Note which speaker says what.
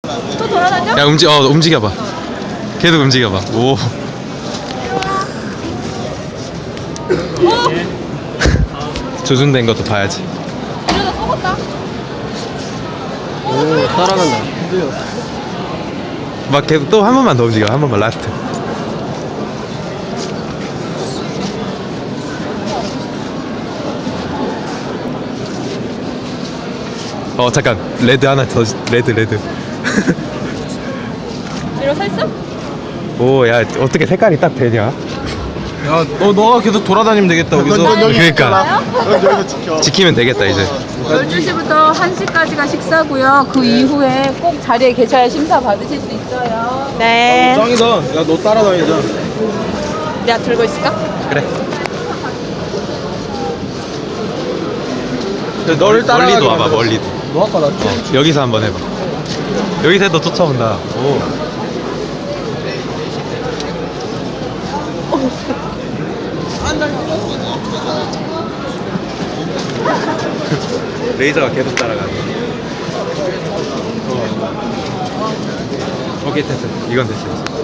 Speaker 1: 또 돌아다녀?
Speaker 2: 야 움직여봐. 계속 움직여봐. 오. 조준된 것도 봐야지.
Speaker 1: 이러다 썩었다.
Speaker 3: 오, 따라간다.
Speaker 2: 막 계속 또 한 번만 더 움직여. 한 번만 라스트. 잠깐 레드 하나 더. 레드
Speaker 1: 이러 서 있어?
Speaker 2: 오, 야, 어떻게 색깔이 딱 되냐?
Speaker 3: 야, 너가 계속 돌아다니면 되겠다, 여기서.
Speaker 2: 그러니까
Speaker 4: 여기서 지켜.
Speaker 2: 지키면 되겠다 이제.
Speaker 1: 12시부터 1시까지가 식사고요. 그 이후에 꼭 자리에 계셔야 심사 받으실 수 있어요. 네.
Speaker 3: 짱이다. 야, 너 따라다니자.
Speaker 1: 내가 들고 있을까?
Speaker 2: 그래.
Speaker 3: 너를 따라가게
Speaker 2: 멀리도 와봐.
Speaker 3: 만들었어.
Speaker 2: 멀리도.
Speaker 3: 너 아까 낫지?
Speaker 2: 여기서 한번 해봐. 여기서 해도 쫓아온다. 오. 레이저가 계속 따라가네. 오케이, 됐어. 이건 됐어.